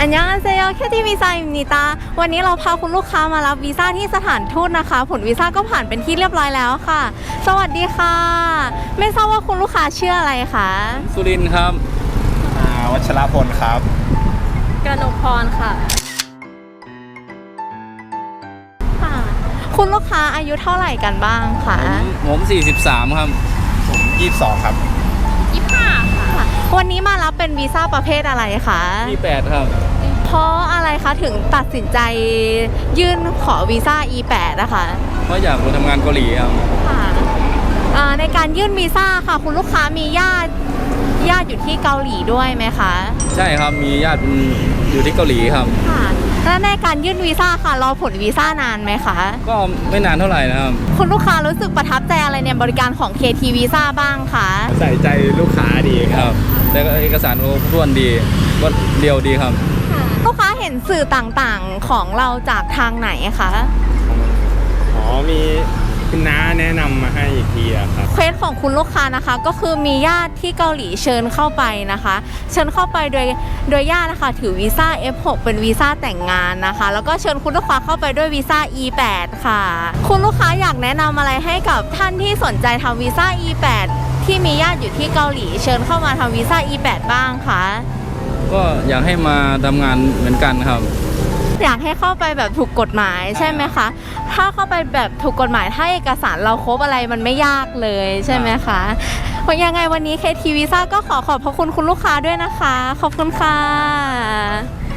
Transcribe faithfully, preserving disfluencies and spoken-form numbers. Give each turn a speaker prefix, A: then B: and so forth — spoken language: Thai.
A: อันยองอันเซโยแค่ที่วีซ่าอิมนิตาวันนี้เราพาคุณลูกค้ามารับวีซ่าที่สถานทูตนะคะผลวีซ่าก็ผ่านเป็นที่เรียบร้อยแล้วค่ะสวัสดีค่ะไม่ทราบว่าคุณลูกค้าชื่ออะไรคะ
B: สุรินทร์ครับ
C: อ่าวัชรพลครับ
A: กนกพรค่ะค่ะคุณลูกค้าอายุเท่าไหร่กันบ้างคะ
B: ผมสี่สิบสามครับ
C: ผมยี่สิบสองครับ
A: ยี่สิบห้าค่ะวันนี้มารับเป็นวีซ่าประเภทอะไรคะ
B: อี แปด ครับ
A: เพราะอะไรคะถึงตัดสินใจยื่นขอวีซ่า อี แปด นะคะ
B: เพราะอยากไปทำงานเกาหลีครับ
A: ค่ะในการยื่นวีซ่าค่ะคุณลูกค้ามีญาติญาติอยู่ที่เกาหลีด้วยไหมคะ
B: ใช่ครับมีญาติอยู่ที่เกาหลีครับ
A: ค่ะแล้วในการยื่นวีซ่าค่ะรอผลวีซ่านานไหมคะ
B: ก็ไม่นานเท่าไหร่นะครับ
A: คุณลูกค้ารู้สึกประทับใจอะไรในบริการของ เค ที Visa บ้างคะ
C: ใส่ใจลูกค้าดีครับ
B: แล้วก็เอกสารครบถ้วนดีก็เรียวดีครับ
A: ลูกค้าเห็นสื่อต่างๆของเราจากทางไหนคะ
C: อ๋อมีคุณน้าแนะนำมาให้อีกทีครับ
A: เควสของคุณลูกค้านะคะก็คือมีญาติที่เกาหลีเชิญเข้าไปนะคะเชิญเข้าไปโดยโดยญาตินะคะถือวีซ่า เอฟ หก เป็นวีซ่าแต่งงานนะคะแล้วก็เชิญคุณลูกค้าเข้าไปด้วยวีซ่า อี แปด ค่ะคุณลูกค้าอยากแนะนำอะไรให้กับท่านที่สนใจทำวีซ่า อี แปด ที่มีญาติอยู่ที่เกาหลีเชิญเข้ามาทำวีซ่า อี แปด บ้างคะ
B: ก็อยากให้มาทำงานเหมือนกันครับ
A: อยากให้เข้าไปแบบถูกกฎหมายใช่ไหมคะถ้าเข้าไปแบบถูกกฎหมายถ้าเอกสารเราครบอะไรมันไม่ยากเลยใช่ไหมคะเพราะยังไงวันนี้ เค ที Visa ก็ขอขอบพระคุณคุณลูกค้าด้วยนะคะขอบคุณค่ะ